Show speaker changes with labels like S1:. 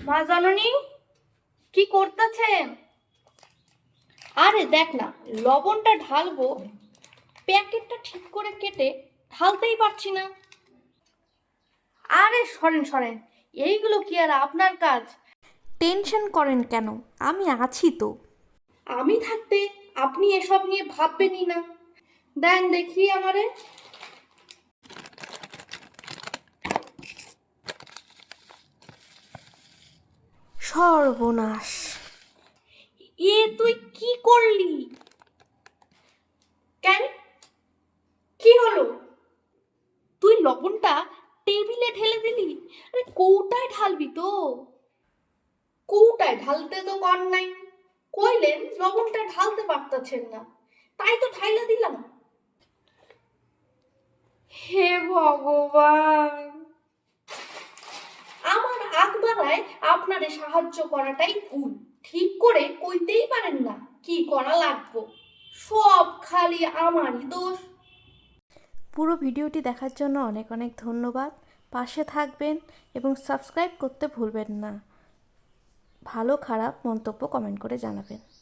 S1: মা জননী, কি করতেছেন? আরে দেখ না, লবণটা ঢালবো, প্যাকেটটা ঠিক করে কেটে ঢালতেই পারছি না। আরে সরেন সরেন, এইগুলো কি আর আপনার কাজ?
S2: টেনশন করেন কেন? আমি আছি তো।
S1: আমি থাকতে আপনি এসব নিয়ে ভাববেনই না। দেন দেখি আমারে।
S2: সর্বনাশ!
S1: তুই কি করলি? কেন, কি হলো? তুই লবণটা টেবিলে ঢেলে দিলি? আরে কৌটায় ঢালবি তো। কৌটায় ঢালতে তো কর নাই, কইলেন লবণটা ঢালতে পারতেছেন না, তাই তো ঢাইলা দিলাম। হে ভগবান, আমার আগ বাড়ায় আপনারে সাহায্য করাটাই ভুল। ঠিক করে কইতেই পারেন না কি করা লাগবো, সব খালি আমারই দোষ।
S2: পুরো ভিডিওটি দেখার জন্য অনেক অনেক ধন্যবাদ। পাশে থাকবেন এবং সাবস্ক্রাইব করতে ভুলবেন না। ভালো খারাপ মন্তব্য কমেন্ট করে জানাবেন।